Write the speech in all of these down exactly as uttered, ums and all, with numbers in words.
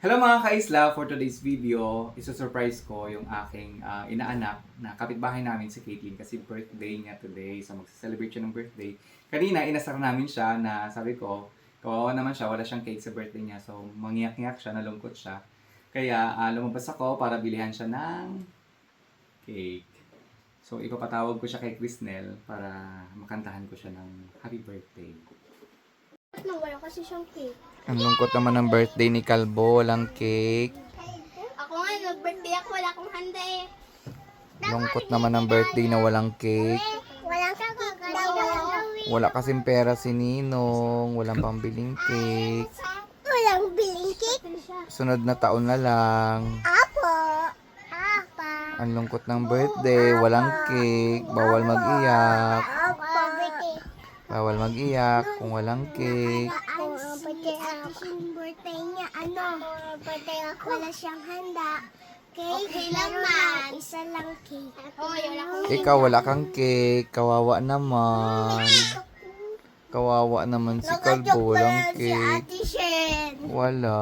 Hello mga ka-isla! For today's video, isa-surprise ko yung aking uh, inaanak na kapitbahay namin si Caitlyn kasi birthday niya today. So magsa-celebrate siya ng birthday. Kanina, inasar namin siya na sabi ko, kawawa naman siya, wala siyang cake sa birthday niya. So mangiyak-ngiyak siya, nalungkot siya. Kaya uh, lumabas ako para bilihan siya ng cake. So ipapatawag ko siya kay Crisnel para makantahan ko siya ng happy birthday. Nang wala kasi siyang cake. Ang lungkot naman ng birthday ni Kalbo, walang cake. Ako nga, nag-birthday ako, wala akong handa eh. Lungkot naman ng birthday na walang cake. Walang cake. Wala kasing pera si Ninong, walang pambiling cake. Walang biling cake. Sunod na taon na lang. Apo. Apa. Ang lungkot ng birthday, walang cake, bawal mag-iyak. Apo. Bawal mag-iyak kung walang cake. Ang birthday ako. birthday niya, ano? birthday ako. Wala siyang handa. Cake. Okay lang man. Isa lang cake. Oh, wala akong Ikaw wala kang cake, kawawa naman. Kawawa naman si Kalbo, walang Si cake. Ate Shen. Wala.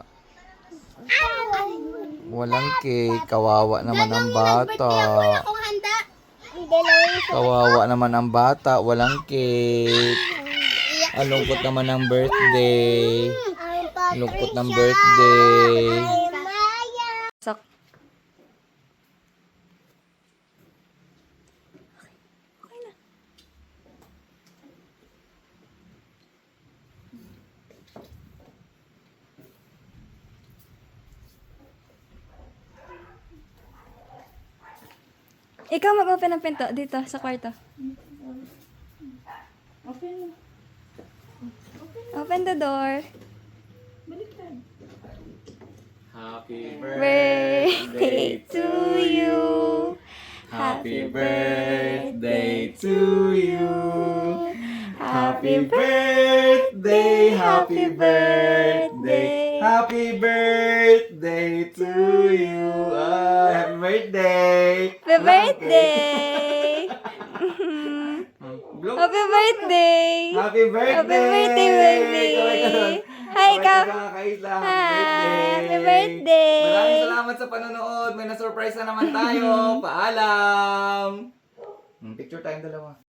Walang cake, kawawa naman ang bata. Wala akong handa. Hindi lang yung Kawawa naman ang bata, walang cake. Ang lungkot naman ng birthday. Ang lungkot ng birthday. Maya. Ikaw mag-open ng pinto dito sa kwarto. Open mo. Open the door. Happy Birthday to you. Happy birthday to you. Happy birthday, happy birthday, happy birthday to you. Ah, happy birthday. Happy birthday! Blow. Happy birthday! Happy birthday. Happy birthday, baby! Hi, ka. ka! Happy Happy birthday! Maraming salamat sa panonood. May na-surprise na naman tayo. Paalam. Hmm, Picture tayong dalawa.